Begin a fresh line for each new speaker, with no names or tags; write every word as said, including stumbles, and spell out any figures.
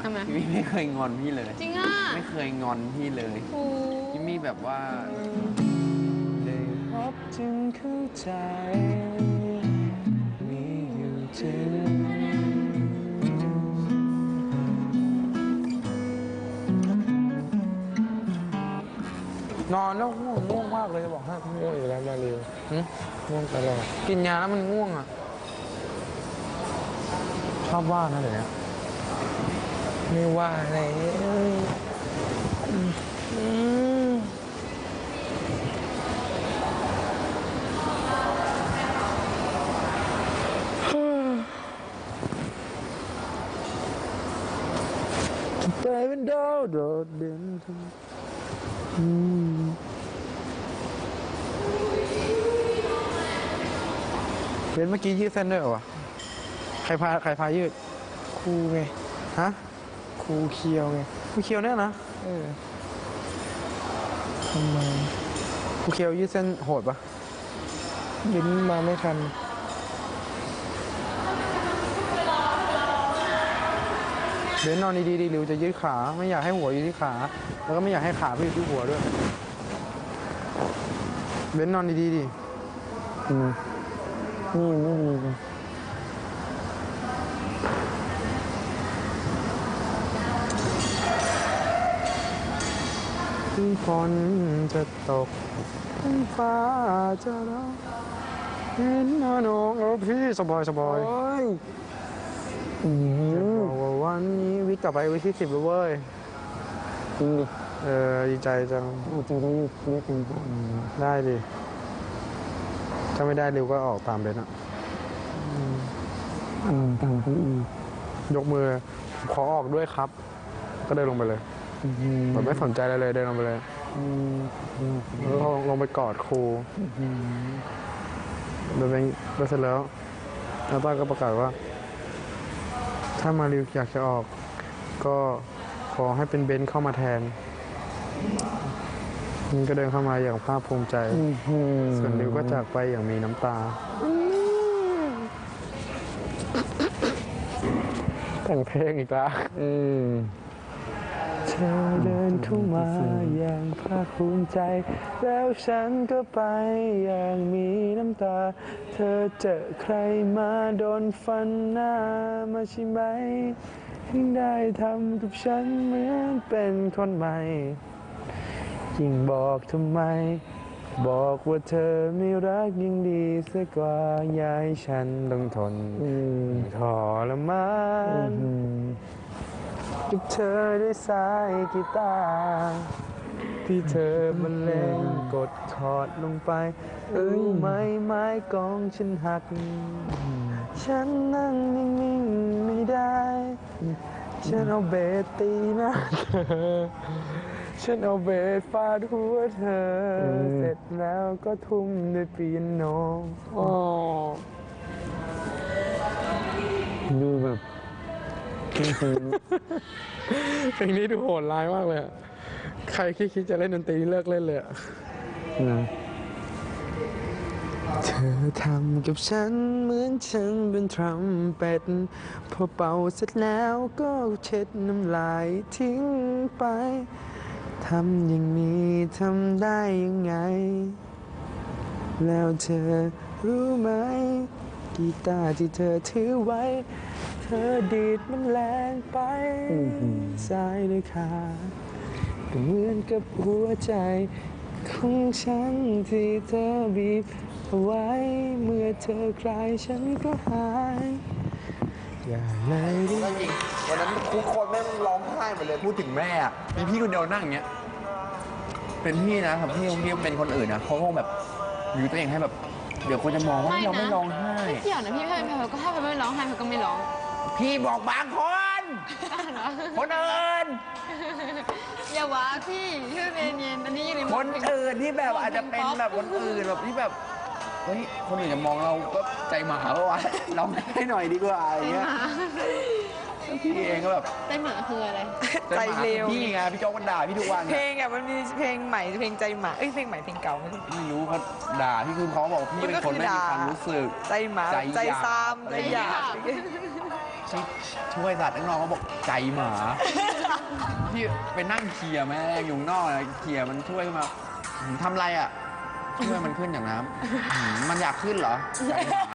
พี่ไม่เคยงอนพี่เลย
จริงอ่ะ
ไม่เคยงอนพี่เลยพี่มีแบบว่าได้พบจึงเข้าใจมีอยู่จริงนอนแล้วง่วงง่วงมากเลยจะบอกให้
ง่วงอยู่แล้วมาเร็วง่วงตลอด
กินยาแล้วมันง่วงอ่ะชอบว่านะเดี๋ยวนี้
ไม่ว่าอะไรไปเป็นดาวโดดเด่น
เบนเมื่อกี้ยืดเส้นด้วยเหรอวะใครพาใครพายืด
ครูไง
ฮะ
ครูเคียวไง
ครูเคียวเนี่ยนะ
เออทำไม
ครูเคียวยืดเส้นโหดปะ
ลิ้นมาไม่ทัน
เบนนอนดีๆดีหรือจะยืดขาไม่อยากให้หัวอยู่ที่ขาแล้วก็ไม่อยากให้ขาไปอยู่ที่หัวด้วยเบนนอนดีๆดิ
อืมนี่ไม่ดีเลย
ฝนจะตกฟ้าจะร้องเห็นน้องโอ้พี่สบายสบายจะบอกว่าวันนี้วิกกลับไปวิกที่สิบแล้วเว้ย
จริงดิ
เออดีใจจัง
จริงต้องเรียกคุณพ่อ
ได้ดิถ้าไม่ได้เร็วก็ออกตามเบนอะ
อืมตามพี่อี
ยกมือขอออกด้วยครับก็เดินลงไปเลยแบบไม่สนใจอะไรเลยเดินลงไปเลยแล้วลงไปกอดครูเดินไปเดินเสร็จแล้วแล้วต้าก็ประกาศว่าถ้ามาริวอยากจะออกก็ขอให้เป็นเบนซ์เข้ามาแทนนี่ก็เดินเข้ามาอย่างภาคภูมิใจส่วนริวก็จากไปอย่างมีน้ำตาแต่งเพลงอีกแล้วเธอเดินเข้ามาอย่างภาคภูมิใจแล้วฉันก็ไปอย่างมีน้ำตาเธอเจอใครมาโดนฟันหน้ามาใช่ไหมถึงได้ทำกับฉันเหมือนเป็นคนใหม่ยิ่งบอกทำไมบอกว่าเธอไม่รักยิ่งดีเสียกว่าย้ายฉันต้องทนทรมานกับเธอด้วยสายกีตาร์ที่เธอบรรเลงกดคอร์ดลงไปเอ้ยไม้ไม้กองฉันหักฉันนั่งนิ่งๆไม่ได้ฉันเอาเบสตีหน้าเธอฉันเอาเบสฟาดหัวเธอเสร็จแล้วก็ทุ่มด้วยเปียโน
ดูแบบ
เพลงนี้ดูโหดร้ายมากเลยใครคิดจะเล่นดนตรีเลิกเล่นเลยอะเธอทำกับฉันเหมือนฉันเป็นทรัมเป็ตพอเป่าเสร็จแล้วก็เช็ดน้ำลายทิ้งไปทำอย่างนี้ทำได้ยังไงแล้วเธอรู้ไหมกีตาร์ที่เธอถือไว้เธอดีดมันแรงไปซ้ายหรือขาก็เหมือนกับหัวใจของฉันที่เธอบีบเอาไว้เมื่อเธอคลายฉันก็หายอย่าเลยดิจริงวันนั้นทุกคนแม่ร้องไห้หมดเลยพูดถึงแม่มีพี่คนเดียวนั่งอย่างเงี้ยเป็นพี่นะครับพี่พี่เป็นคนอื่นนะเขาคงแบบอยู่ตัวเองให้แบบเดี๋ยวคนจะมองว่าเราไม่ร้องไห้
ไม่เกี่ยวนะพี่ถ้าเป็นแพลก็ถ้าเป็นไม่ร้องไห้เขาก็ไม่ร้อง
พี่บอกบางคนคนอื่น
อย่าว่าพี่ชื่อเย็นเย็นอันนี้อยู่ใน
คนอื่นที่แบบอาจจะเป็นแบบคนอื่นแบบที่แบบเฮ้ยคนอื่นจะมองเราก็ใจหมาเพราะว่าร้องให้หน่อยดีกว่าอย่างเงี้ยพี่เองก็แบบ
ใจหมาคืออะไร
ใจเร็วพี่ไงพี่โจ๊กมันด่าพี่ทุกวัน
เพลงอ่ะมันมีเพลงใหม่เพลงใจหมาเอ้ยเพลงใหม่เพลงเก่าไม่รู้
ไม่รู้เขาด่าพี่คือเขาบอกพี่เป็นคนไม่มีความรู้สึก
ใจหมาใจซามใจหยาบ
ที่ช่วยสัตว์ข้างนอกเขาบอกใจหมาที่ไปนั่งเคลียร์แม่งอยู่ข้างนอกนะเคลียร์มันช่วยขึ้นมาหืมทำไรอ่ะช่วยมันขึ้นจากน้ำหืมมันอยากขึ้นเหรอใจหมา